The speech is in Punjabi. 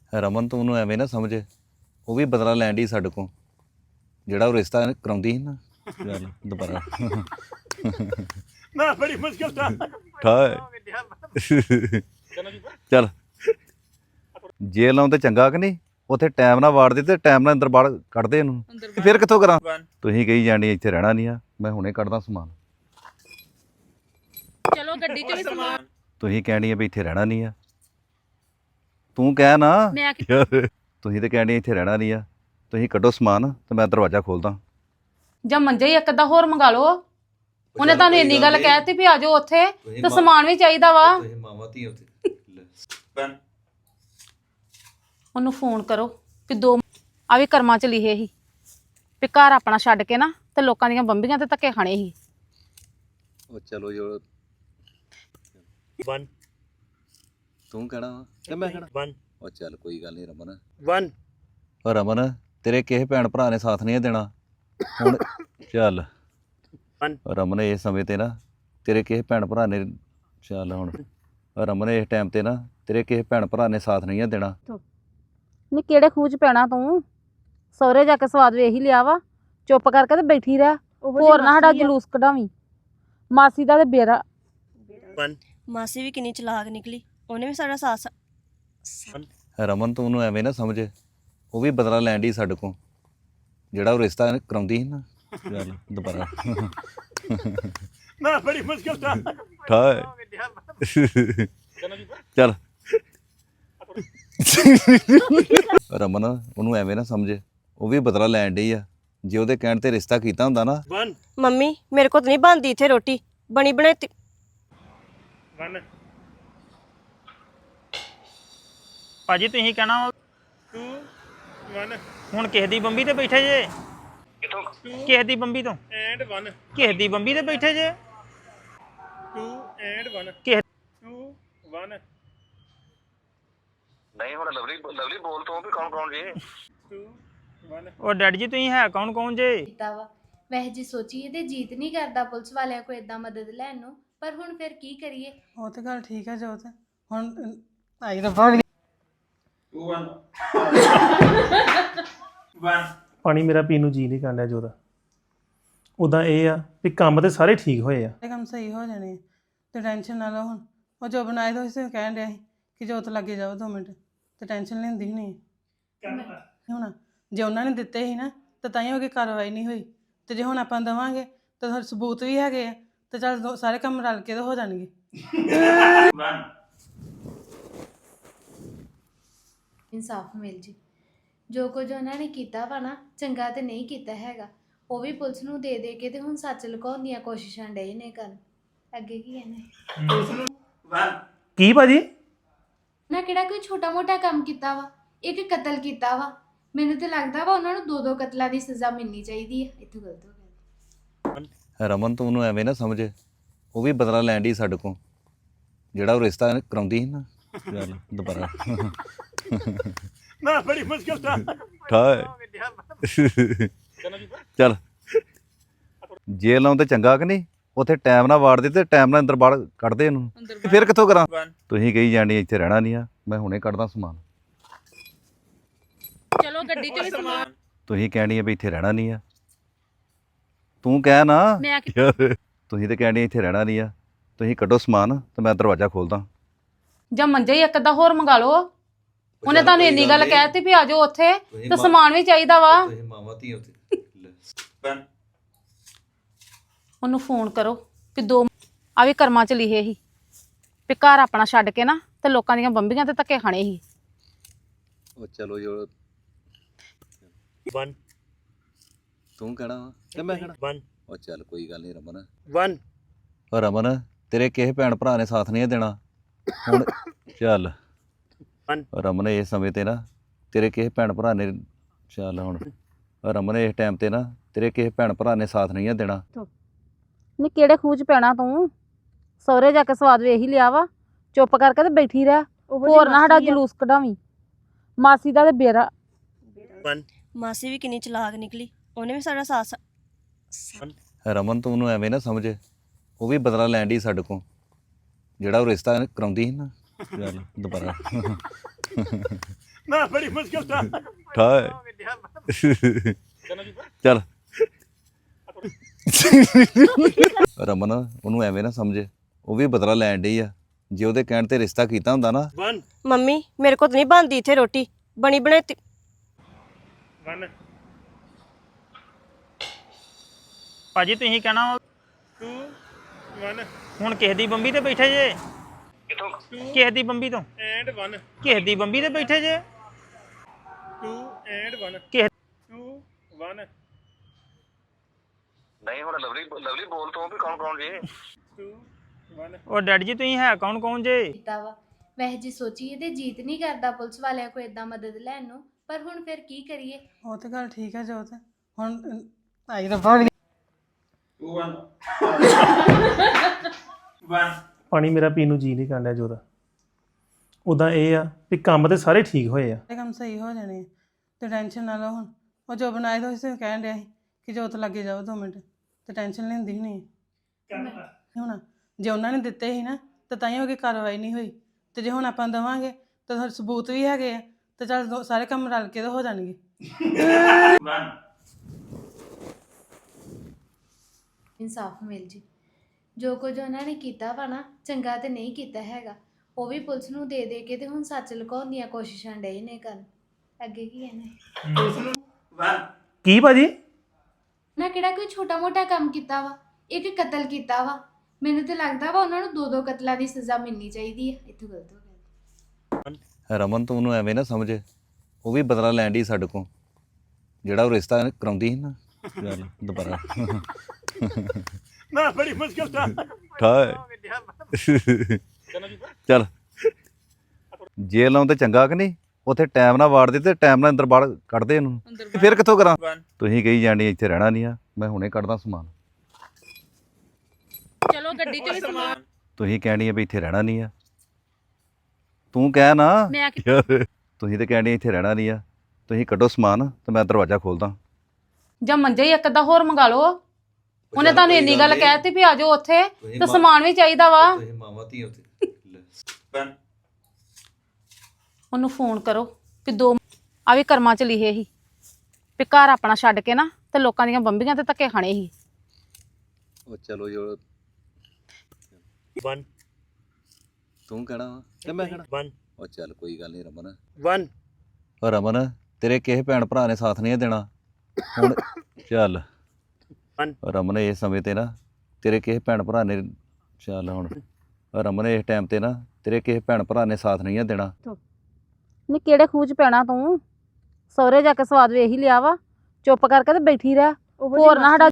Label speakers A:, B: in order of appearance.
A: ਰਮਨ ਤੂੰ ਉਹਨੂੰ ਐਵੇਂ ਨਾ ਸਮਝ, ਉਹ ਵੀ ਬਦਲਾ ਲੈਣ ਦੀ ਸਾਡੇ ਕੋਲ, ਜਿਹੜਾ ਉਹ ਰਿਸ਼ਤਾ ਕਰਾਉਂਦੀ ਸੀ ਨਾ। ਚੱਲ ਦੁਬਾਰਾ
B: ਮੈਂ ਬੜੀ ਮੁਸ਼ਕਿਲ ਦਾ
A: ਠਾਏ ਚੱਲ ਜੇਲ੍ਹ ਲਾਉਂ ਤੇ ਚੰਗਾ ਕਿ ਨਹੀਂ, ਉੱਥੇ ਟਾਈਮ ਨਾਲ ਵਾੜ ਦੇ ਤੇ ਟਾਈਮ ਨਾਲ ਅੰਦਰ ਬਾਹਰ ਕੱਢਦੇ ਇਹਨੂੰ। ਫਿਰ ਕਿੱਥੋਂ ਕਰਾਂ? ਤੁਸੀਂ ਕਹੀ ਜਾਣੀ ਇੱਥੇ ਰਹਿਣਾ ਨਹੀਂ ਆ, ਮੈਂ ਹੁਣੇ ਕੱਢਦਾ ਸਮਾਨ।
C: ਚਲੋ ਗੱਡੀ ਚ ਵੀ ਸਮਾਨ
A: ਤੁਸੀਂ ਕਹਿਣੀ ਆ ਵੀ ਇੱਥੇ ਰਹਿਣਾ ਨਹੀਂ ਆ, ਤੂੰ ਕਹਿ ਨਾ।
C: ਮੈਂ
A: ਤੁਸੀਂ ਤੇ ਕਹਿਣੀ ਇੱਥੇ ਰਹਿਣਾ ਨਹੀਂ ਆ, ਤੁਸੀਂ ਕੱਢੋ ਸਮਾਨ ਤੇ ਮੈਂ ਦਰਵਾਜ਼ਾ ਖੋਲਦਾ।
C: ਜਾਂ ਮੰਜਾ ਹੀ ਇੱਕ ਅੱਧਾ ਹੋਰ ਮੰਗਾ ਲਓ। ਉਹਨੇ ਤੁਹਾਨੂੰ ਇੰਨੀ ਗੱਲ ਕਹਿਤੀ ਵੀ ਆ ਜਾਓ ਉੱਥੇ ਤੇ ਸਮਾਨ ਵੀ ਚਾਹੀਦਾ ਵਾ। ਉਹਨੂੰ ਫੋਨ ਕਰੋ ਵੀ ਆ ਵੀ ਕਰਮਾਂ ਚ ਲਿਖੇ ਸੀ ਵੀ ਘਰ ਆਪਣਾ ਛੱਡ ਕੇ ਨਾ ਤੇ ਲੋਕਾਂ ਦੀਆਂ ਬੰਬੀਆਂ ਤੇ ਧੱਕੇ ਖਾਣੇ ਸੀ।
A: ਉਹ ਚਲੋ ਜੋ
B: 1
A: ਤੂੰ ਕਹਿਣਾ ਵਾ ਕਿ ਮੈਂ ਕਹਿਣਾ?
B: 1
A: ਉਹ ਚੱਲ ਕੋਈ ਗੱਲ ਨਹੀਂ ਰਮਨ।
B: 1
A: ਉਹ ਰਮਨ ਤੇਰੇ ਕਿਸੇ ਭੈਣ ਭਰਾ ਨੇ ਸਾਥ ਨਹੀਂ ਦੇਣਾ ਹੁਣ। ਚੱਲ ਰਮਨ ਇਸ ਸਮੇਂ ਤੇ ਨਾ ਤੇਰੇ ਕਿਸੇ ਭੈਣ ਭਰਾ ਨੇ, ਚੱਲ ਹੁਣ ਰਮਨ ਇਸ ਟਾਈਮ ਤੇ ਨਾ ਤੇਰੇ ਕਿਸੇ ਭੈਣ ਭਰਾ ਨੇ ਸਾਥ ਨਹੀਂ ਦੇਣਾ।
C: ਨੀ ਕਿਹੜੇ ਖੂਹ ਚ ਪੈਣਾ ਤੂੰ? ਸਹੁਰੇ ਜਾ ਕੇ ਸਵਾਦ ਵੇਖ ਹੀ ਲਿਆ ਵਾ, ਚੁੱਪ ਕਰਕੇ ਤੇ ਬੈਠੀ ਰਹਿ। ਹੋਰ ਨਾ ਸਾਡਾ ਜਲੂਸ ਕਢਾਵੀਂ। ਮਾਸੀ ਦਾ ਤੇ ਬੇਰਾ
B: 1
D: ਮਾਸੀ ਵੀ ਕਿੰਨੀ ਚਲਾਕ ਨਿਕਲੀ, ਉਹਨੇ ਵੀ ਸਾਡਾ ਸਾਥ।
A: ਰਮਨ ਤੂੰ ਉਹਨੂੰ ਐਵੇਂ ਨਾ ਸਮਝ, ਉਹ ਵੀ ਬਦਲਾ ਲੈਣ ਦੀ ਸਾਡੇ ਕੋਲ, ਜਿਹੜਾ ਉਹ ਰਿਸ਼ਤਾ ਕਰਾਉਂਦੀ ਸੀ ਨਾ। ਚੱਲ ਦੁਬਾਰਾ
B: ਮੈਂ ਬੜੀ ਮੁਸ਼ਕਿਲ ਦਾ
A: ਠਾਏ ਚੱਲ ਰਮਨ ਉਹਨੂੰ ਐਵੇਂ ਨਾ ਸਮਝ, ਉਹ ਵੀ ਬਦਲਾ ਲੈਣ ਡਈ ਆ। ਜੇ ਉਹਦੇ ਕਹਿਣ ਤੇ ਰਿਸ਼ਤਾ ਕੀਤਾ ਹੁੰਦਾ ਨਾ।
B: 1
D: ਮੰਮੀ ਮੇਰੇ ਕੋਲ ਤਾਂ ਨਹੀਂ ਬਣਦੀ ਇੱਥੇ ਰੋਟੀ, ਬਣੀ ਬਣਾਈ
B: 1
E: ਭਾਜੀ ਤੁਸੀਂ ਕਹਿਣਾ
B: 2 1
E: ਹੁਣ ਕਿਸੇ ਦੀ ਬੰਬੀ ਤੇ ਬੈਠੇ ਜੇ,
B: ਕਿਥੋਂ
E: ਕਿਸੇ ਦੀ ਬੰਬੀ ਤੋਂ,
B: ਐਂਡ 1
E: ਕਿਸੇ ਦੀ ਬੰਬੀ ਤੇ ਬੈਠੇ ਜੇ।
B: 2 ਐਂਡ 1
E: ਕਿਸੇ
B: 2 1
F: ਨਹੀਂ ਹੁਣ ਲਵਲੀ ਬੋਲ ਤੂੰ ਵੀ ਕੌਣ ਜੀ
B: 2 1
E: ਉਹ ਡੈਡੀ ਜੀ ਤੁਸੀਂ ਹੈ ਕੌਣ ਜੇ?
G: ਕੀਤਾ ਵਾ। ਵੈਸੇ ਜੇ ਸੋਚੀਏ ਤੇ ਜੀਤ ਨਹੀਂ ਕਰਦਾ ਪੁਲਿਸ ਵਾਲਿਆਂ ਕੋਲ ਇਦਾਂ ਮਦਦ ਲੈਣ ਨੂੰ, ਪਰ ਹੁਣ ਫਿਰ ਕੀ ਕਰੀਏ?
H: ਉਹ ਤੇ ਗੱਲ ਠੀਕ ਹੈ ਜੋਤ, ਹੁਣ ਆਈ ਰੱਬਾ
B: 2 1
I: ਪਾਣੀ ਮੇਰਾ ਪੀਣ ਨੂੰ ਜੀ ਨਹੀਂ ਕਰਦਾ ਜੋਦਾ। ਉਦਾਂ ਇਹ ਆ ਵੀ ਕੰਮ ਤੇ ਸਾਰੇ ਠੀਕ ਹੋਏ ਆ।
H: ਕੰਮ ਸਹੀ ਹੋ ਜਾਣੇ ਆ, ਤੇ ਟੈਨਸ਼ਨ ਨਾ ਲਓ। ਹੁਣ ਉਹ ਜੋ ਬਣਾਏ ਤਾਂ ਉਸੇ ਕਹਿਣ ਡਿਆ ਸੀ ਕਿ ਜੋਤ ਲੱਗੇ ਜਾਓ 2 ਮਿੰਟ, ਤੇ ਟੈਨਸ਼ਨ ਲੈਂਦੀ ਨਹੀਂ ਹੁਣ। ਜੇ ਉਹਨਾਂ ਨੇ ਦਿੱਤੇ ਸੀ ਨਾ ਤਾਂ ਹੀ ਹੋ ਕੇ ਕਾਰਵਾਈ ਨਹੀਂ ਹੋਈ, ਤੇ ਜੇ ਹੁਣ ਆਪਾਂ ਦੇਵਾਂਗੇ ਤਾਂ ਹੋਰ ਸਬੂਤ ਵੀ ਹੈਗੇ ਆ, ਤੇ ਚੱਲ ਸਾਰੇ ਕੰਮ ਰਲ ਕੇ ਤਾਂ ਹੋ ਜਾਣਗੇ।
G: ਇਨਸਾਫ ਮਿਲ ਜੀ। ਜੋ ਕੁਝ ਉਹਨਾਂ ਨੇ ਕੀਤਾ ਵਾ ਨਾ, ਚੰਗਾ ਤੇ ਨਹੀਂ ਕੀਤਾ ਹੈਗਾ। ਉਹ ਵੀ ਪੁਲਿਸ ਨੂੰ ਦੇ ਦੇ ਕੇ ਤੇ ਹੁਣ ਸੱਚ ਲੁਕਾਉਣ ਦੀਆਂ ਕੋਸ਼ਿਸ਼ਾਂ ਡੇ ਨੇ ਕਰਨ। ਅੱਗੇ ਕੀ ਕਹਿਣਾ?
I: ਕੀ ਭਾਜੀ?
G: ਨਾ ਕਿਹੜਾ ਕੋਈ ਛੋਟਾ ਮੋਟਾ ਕੰਮ ਕੀਤਾ ਵਾ, ਇੱਕ ਕਤਲ ਕੀਤਾ ਵਾ। ਮੈਨੂੰ ਤੇ ਲੱਗਦਾ ਵਾ ਉਹਨਾਂ ਨੂੰ 2-2 ਕਤਲਾਂ ਦੀ ਸਜ਼ਾ ਮਿਲਣੀ ਚਾਹੀਦੀ ਹੈ। ਇੱਥੋਂ ਗਲਤ ਹੋ ਗਿਆ।
A: ਰਮਨ ਤੂੰ ਉਹਨੂੰ ਐਵੇਂ ਨਾ ਸਮਝ, ਉਹ ਵੀ ਬਦਲਾ ਲੈਣ ਦੀ ਸਾਡੇ ਕੋਲ, ਜਿਹੜਾ ਉਹ ਰਿਸ਼ਤਾ ਕਰਾਉਂਦੀ ਸੀ ਨਾ। ਚੱਲ ਦੁਬਾਰਾ
B: ਮੈਂ ਬੜੀ ਮੁਸ਼ਕਿਲ ਦਾ
A: ਠਾਏ ਚੱਲ ਜੇਲ੍ਹ ਲਾਉਂ ਤੇ ਚੰਗਾ ਕਿ ਨਹੀਂ, ਉੱਥੇ ਟਾਈਮ ਨਾਲ ਵਾੜ ਦੇ ਤੇ ਟਾਈਮ ਨਾਲ ਅੰਦਰ ਬਾਹਰ ਕੱਢਦੇ ਇਹਨੂੰ। ਫਿਰ ਕਿੱਥੋਂ ਕਰਾਂ? ਤੁਸੀਂ ਕਹੀ ਜਾਣੀ ਇੱਥੇ ਰਹਿਣਾ ਨਹੀਂ ਆ, ਮੈਂ ਹੁਣੇ ਕੱਢਦਾ ਸਮਾਨ।
C: ਚਲੋ ਗੱਡੀ ਚ ਵੀ ਸਮਾਨ
A: ਤੁਸੀਂ ਕਹਿਣੀ ਆ ਵੀ ਇੱਥੇ ਰਹਿਣਾ ਨਹੀਂ ਆ, ਤੂੰ ਕਹਿ ਨਾ।
C: ਮੈਂ
A: ਤੁਸੀਂ ਤੇ ਕਹਿਣੀ ਇੱਥੇ ਰਹਿਣਾ ਨਹੀਂ ਆ, ਤੁਸੀਂ ਕੱਢੋ ਸਮਾਨ ਤੇ ਮੈਂ ਦਰਵਾਜ਼ਾ ਖੋਲਦਾ।
C: ਜਾਂ ਮੰਜਾ ਹੀ ਇੱਕ ਅੱਧਾ ਹੋਰ ਮੰਗਾ ਲਓ। ਉਹਨੇ ਤੁਹਾਨੂੰ ਇੰਨੀ ਗੱਲ ਕਹਿਤੀ ਵੀ ਆ ਜਾਓ ਉੱਥੇ ਤੇ ਸਮਾਨ ਵੀ ਚਾਹੀਦਾ ਵਾ। ਉਹਨੂੰ ਫੋਨ ਕਰੋ ਵੀ ਆ ਵੀ ਕਰਮਾਂ ਚ ਲਿਖੇ ਸੀ ਵੀ ਘਰ ਆਪਣਾ ਛੱਡ ਕੇ ਨਾ ਤੇ ਲੋਕਾਂ ਦੀਆਂ ਬੰਬੀਆਂ ਤੇ ਧੱਕੇ ਖਾਣੇ ਸੀ।
A: ਉਹ ਚਲੋ ਜੋ
B: 1
A: ਤੂੰ ਕਹਿਣਾ ਵਾ ਕਿ ਮੈਂ ਕਹਿਣਾ?
B: 1
A: ਉਹ ਚੱਲ ਕੋਈ ਗੱਲ ਨਹੀਂ ਰਮਨ।
B: 1
A: ਉਹ ਰਮਨ ਤੇਰੇ ਕਿਸੇ ਭੈਣ ਭਰਾ ਨੇ ਸਾਥ ਨਹੀਂ ਦੇਣਾ ਹੁਣ। ਚੱਲ ਰਮਨ ਇਸ ਸਮੇਂ ਤੇ ਨਾ ਤੇਰੇ ਕਿਸੇ ਭੈਣ ਭਰਾ ਨੇ, ਚੱਲ ਹੁਣ ਰਮਨ ਇਸ ਟਾਈਮ ਤੇ ਨਾ ਤੇਰੇ ਕਿਸੇ ਭੈਣ ਭਰਾ ਨੇ ਸਾਥ ਨਹੀਂ ਦੇਣਾ।
C: ਨੀ ਕਿਹੜੇ ਖੂਹ ਚ ਪੈਣਾ ਤੂੰ? ਸਹੁਰੇ ਜਾ ਕੇ ਸਵਾਦ ਵੇਖ ਹੀ ਲਿਆ ਵਾ, ਚੁੱਪ ਕਰਕੇ ਤੇ ਬੈਠੀ ਰਹਿ। ਹੋਰ ਨਾ ਸਾਡਾ ਜਲੂਸ ਕਢਾਵੀਂ। ਮਾਸੀ ਦਾ ਤੇ ਬੇਰਾ
B: 1
D: ਮਾਸੀ ਵੀ ਕਿੰਨੀ ਚਲਾਕ ਨਿਕਲੀ, ਉਹਨੇ ਵੀ ਸਾਡਾ ਸਾਥ।
A: ਰਮਨ ਤੂੰ ਉਹਨੂੰ ਐਵੇਂ ਨਾ ਸਮਝ, ਉਹ ਵੀ ਬਦਲਾ ਲੈਣ ਦੀ ਸਾਡੇ ਕੋਲ, ਜਿਹੜਾ ਉਹ ਰਿਸ਼ਤਾ ਕਰਾਉਂਦੀ ਸੀ ਨਾ। ਚੱਲ ਦੁਬਾਰਾ
B: मैं बड़ी मुश्किल था
A: ਠਾਏ ਚੱਲ ਰਮਨ ਉਹਨੂੰ ਐਵੇਂ ਨਾ ਸਮਝੇ, ਉਹ ਵੀ ਬਦਲਾ ਲੈਣ ਡਈ ਆ। ਜੇ ਉਹਦੇ ਕਹਿਣ ਤੇ ਰਿਸ਼ਤਾ ਕੀਤਾ ਹੁੰਦਾ ਨਾ,
B: 1
D: ਮੰਮੀ ਮੇਰੇ ਕੋਲ ਤਾਂ ਨਹੀਂ ਬਣਦੀ ਇੱਥੇ ਰੋਟੀ ਬਣੀ ਬਣਾਈ
B: 1
E: ਭਾਜੀ ਤੁਸੀਂ ਕਹਿਣਾ ਵਾ,
B: 2 1
E: ਹੁਣ ਕਿਸੇ ਦੀ ਬੰਬੀ ਤੇ ਬੈਠੇ ਜੇ,
F: ਕਿੱਥੋਂ
E: ਕਿਸੇ ਦੀ ਬੰਬੀ ਤੋਂ,
B: and 1
E: ਕਿਸੇ ਦੀ ਬੰਬੀ ਤੇ ਬੈਠੇ ਜੇ
B: 2 and 1
E: ਕਿਸੇ
B: 2 1
F: ਨਹੀਂ ਹੁਣ ਲਵਲੀ ਬੋਲ ਤੂੰ ਵੀ ਕੌਣ ਜੀ
B: 2 1
E: ਉਹ ਡੈਡੀ ਜੀ ਤੁਸੀਂ ਹੈ ਕੌਣ ਜੇ?
G: ਕੀਤਾ ਵਾ ਵੈਸੇ ਜੇ ਸੋਚੀਏ ਤੇ ਜੀਤ ਨਹੀਂ ਕਰਦਾ ਪੁਲਿਸ ਵਾਲਿਆਂ ਕੋਲ ਇਦਾਂ ਮਦਦ ਲੈਣ ਨੂੰ, ਪਰ ਹੁਣ ਫਿਰ ਕੀ ਕਰੀਏ।
H: ਉਹ ਤੇ ਗੱਲ ਠੀਕ ਹੈ ਜੋਤ, ਹੁਣ ਆਈ ਰੱਬਾ
I: ਪਾਣੀ ਮੇਰਾ ਪੀਣ ਨੂੰ ਜੀ ਨਹੀਂ ਕਰਦਾ ਜੋਤ। ਉਦਾਂ ਇਹ ਆ ਵੀ ਕੰਮ ਤੇ ਸਾਰੇ ਠੀਕ ਹੋਏ ਆ।
H: ਇਹ ਕੰਮ ਸਹੀ ਹੋ ਜਾਣੇ ਆ, ਤੇ ਟੈਨਸ਼ਨ ਨਾ ਲਓ। ਹੁਣ ਉਹ ਜੋ ਬਣਾਏ ਤਾਂ ਉਸੇ ਕਹਿਣ ਡਿਆ ਸੀ ਕਿ ਜੋਤ ਲੱਗੇ ਜਾਓ 2 ਮਿੰਟ, ਤੇ ਟੈਨਸ਼ਨ ਲੈਂਦੀ ਨਹੀਂ ਹੁਣ। ਜੇ ਉਹਨਾਂ ਨੇ ਦਿੱਤੇ ਸੀ ਨਾ ਤਾਂ ਤਾਂ ਹੀ ਉਹਦੀ ਕਾਰਵਾਈ ਨਹੀਂ ਹੋਈ, ਤੇ ਜੇ ਹੁਣ ਆਪਾਂ ਦੇਵਾਂਗੇ ਤਾਂ ਸਬੂਤ ਵੀ ਹੈਗੇ ਆ, ਤੇ ਚੱਲ ਸਾਰੇ ਕੰਮ ਰਲ ਕੇ ਤਾਂ ਹੋ ਜਾਣਗੇ।
G: ਇਨਸਾਫ ਮਿਲ ਜੀ। ਜੋ ਕੁਝ ਉਹਨਾਂ ਨੇ ਕੀਤਾ ਵਾ ਨਾ, ਚੰਗਾ ਤੇ ਨਹੀਂ ਕੀਤਾ ਹੈਗਾ। ਉਹ ਵੀ ਪੁਲਿਸ ਨੂੰ ਦੇ ਦੇ ਕੇ ਤੇ ਹੁਣ ਸੱਚ ਲੁਕਾਉਣ ਦੀਆਂ ਕੋਸ਼ਿਸ਼ਾਂ ਡਏ ਨੇ ਕਰਨ। ਅੱਗੇ ਕੀ ਕਹਿਣਾ?
I: ਕੀ ਭਾਜੀ?
G: ਨਾ ਕਿਹੜਾ ਕੋਈ ਛੋਟਾ ਮੋਟਾ ਕੰਮ ਕੀਤਾ ਵਾ, ਇੱਕ ਕਤਲ ਕੀਤਾ ਵਾ। ਮੈਨੂੰ ਤੇ ਲੱਗਦਾ ਵਾ ਉਹਨਾਂ ਨੂੰ 2-2 ਕਤਲਾਂ ਦੀ ਸਜ਼ਾ ਮਿਲਣੀ ਚਾਹੀਦੀ ਹੈ। ਇੱਥੋਂ ਗਲਤ ਹੋ ਗਿਆ।
A: ਰਮਨ ਤੂੰ ਉਹਨੂੰ ਐਵੇਂ ਨਾ ਸਮਝੇ, ਉਹ ਵੀ ਬਦਲਾ ਲੈਣ ਡਈ ਸਾਡੇ ਕੋਲ, ਜਿਹੜਾ ਉਹ ਰਿਸ਼ਤਾ ਕਰਾਉਂਦੀ ਸੀ ਨਾ। ਚੱਲ ਦੁਬਾਰਾ
B: मैं बड़ी मुश्किल था
A: ਠਾਏ ਚੱਲ ਜੇਲ੍ਹ ਲਾਉਂ ਤੇ ਚੰਗਾ ਕਿ ਨਹੀਂ, ਉੱਥੇ ਟਾਈਮ ਨਾਲ ਵਾੜ ਦੇ ਤੇ ਟਾਈਮ ਨਾਲ ਅੰਦਰ ਬਾਹਰ ਕੱਢਦੇ ਇਹਨੂੰ। ਫਿਰ ਕਿੱਥੋਂ ਕਰਾਂ? ਤੁਸੀਂ ਕਹੀ ਜਾਣੀ ਇੱਥੇ ਰਹਿਣਾ ਨਹੀਂ ਆ, ਮੈਂ ਹੁਣੇ ਕੱਢਦਾ ਸਮਾਨ।
C: ਚਲੋ ਗੱਡੀ 'ਚ ਵੀ ਸਮਾਨ
A: ਤੁਸੀਂ ਕਹਿਣੀ ਆ ਵੀ ਇੱਥੇ ਰਹਿਣਾ ਨਹੀਂ ਆ, ਤੂੰ ਕਹਿ ਨਾ
C: ਮੈਂ
A: ਯਾਰ। ਤੁਸੀਂ ਤੇ ਕਹਿਣੀ ਇੱਥੇ ਰਹਿਣਾ ਨਹੀਂ ਆ, ਤੁਸੀਂ ਕੱਢੋ ਸਮਾਨ ਤੇ ਮੈਂ ਦਰਵਾਜ਼ਾ ਖੋਲਦਾ।
C: ਜਾਂ ਮੰਜੇ ਹੀ ਇੱਕ ਅੱਧਾ ਹੋਰ ਮੰਗਾ ਲਓ। ਉਹਨੇ ਤੁਹਾਨੂੰ ਇੰਨੀ ਗੱਲ ਕਹਿਤੀ ਵੀ ਆ ਜਾਓ ਉੱਥੇ, ਤੇ ਸਮਾਨ ਵੀ ਚਾਹੀਦਾ ਵਾ।
A: ਮਾਵਾਂ ਧੀ ਉੱਥੇ
C: ਉਹਨੂੰ ਫੋਨ ਕਰੋ ਵੀ 2 ਆ ਵੀ ਕਰਮਾਂ 'ਚ ਲਿਖੇ ਸੀ ਵੀ ਘਰ ਆਪਣਾ ਛੱਡ ਕੇ ਨਾ ਤੇ ਲੋਕਾਂ ਦੀਆਂ ਬੰਬੀਆਂ ਤੇ ਧੱਕੇ ਖਾਣੇ ਸੀ।
A: ਉਹ ਚਲੋ ਜੋ
B: 1
A: ਤੂੰ ਕਹਿਣਾ ਵਾ ਤੇ ਮੈਂ ਕਹਿਣਾ।
B: 1
A: ਉਹ ਚੱਲ ਕੋਈ ਗੱਲ ਨਹੀਂ ਰਮਨ।
B: 1
A: ਉਹ ਰਮਨ ਤੇਰੇ ਕਿਸੇ ਭੈਣ ਭਰਾ ਨੇ ਸਾਥ ਨਹੀਂ ਦੇਣਾ ਹੁਣ। ਚੱਲ ਉਹ ਰਮਨ ਇਸ ਸਮੇਂ ਤੇ ਨਾ ਤੇਰੇ ਕਿਸੇ ਭੈਣ ਭਰਾ ਨੇ, ਚੱਲ ਹੁਣ ਉਹ ਰਮਨ ਇਸ ਟਾਈਮ ਤੇ ਨਾ ਤੇਰੇ ਕਿਸੇ ਭੈਣ ਭਰਾ ਨੇ ਸਾਥ ਨਹੀਂ ਦੇਣਾ।
C: ਨੀ ਕਿਹੜੇ ਖੂਹ 'ਚ ਪੈਣਾ ਤੂੰ? ਸਹੁਰੇ ਜਾ ਕੇ ਸਵਾਦ ਵੇਖ ਹੀ ਲਿਆ ਵਾ, ਚੁੱਪ ਕਰਕੇ ਤੇ ਬੈਠੀ ਰਹਿ। ਹੋਰ ਨਾ ਸਾਡਾ